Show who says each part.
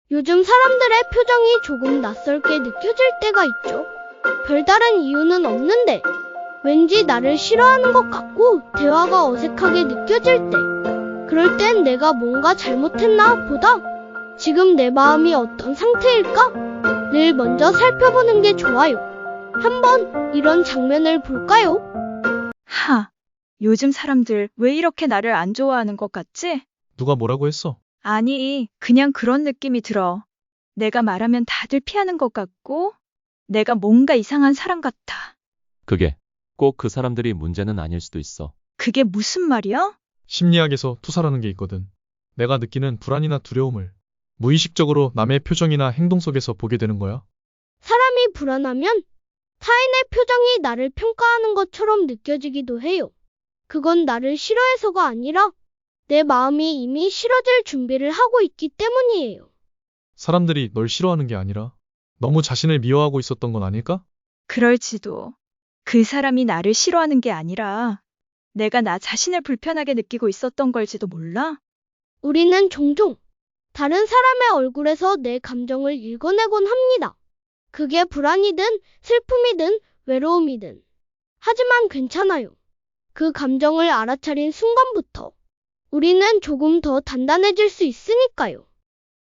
Speaker 1: 요즘 사람들의 표정이 조금 낯설게 느껴질 때가 있죠. 별다른 이유는 없는데 왠지 나를 싫어하는 것 같고 대화가 어색하게 느껴질 때, 그럴 땐 내가 뭔가 잘못했나 보다 지금 내 마음이 어떤 상태일까? 를 먼저 살펴보는 게 좋아요. 한번 이런 장면을 볼까요?
Speaker 2: 요즘 사람들 왜 이렇게 나를 안 좋아하는 것 같지?
Speaker 3: 누가 뭐라고 했어?
Speaker 2: 아니, 그냥 그런 느낌이 들어. 내가 말하면 다들 피하는 것 같고, 내가 뭔가 이상한 사람 같아.
Speaker 4: 그게 꼭 그 사람들이 문제는 아닐 수도 있어.
Speaker 2: 그게 무슨 말이야?
Speaker 3: 심리학에서 투사라는 게 있거든. 내가 느끼는 불안이나 두려움을 무의식적으로 남의 표정이나 행동 속에서 보게 되는 거야.
Speaker 1: 사람이 불안하면 타인의 표정이 나를 평가하는 것처럼 느껴지기도 해요. 그건 나를 싫어해서가 아니라 내 마음이 이미 싫어질 준비를 하고 있기 때문이에요.
Speaker 3: 사람들이 널 싫어하는 게 아니라 너무 자신을 미워하고 있었던 건 아닐까?
Speaker 2: 그럴지도. 그 사람이 나를 싫어하는 게 아니라 내가 나 자신을 불편하게 느끼고 있었던 걸지도 몰라?
Speaker 1: 우리는 종종 다른 사람의 얼굴에서 내 감정을 읽어내곤 합니다. 그게 불안이든 슬픔이든 외로움이든. 하지만 괜찮아요. 그 감정을 알아차린 순간부터 우리는 조금 더 단단해질 수 있으니까요.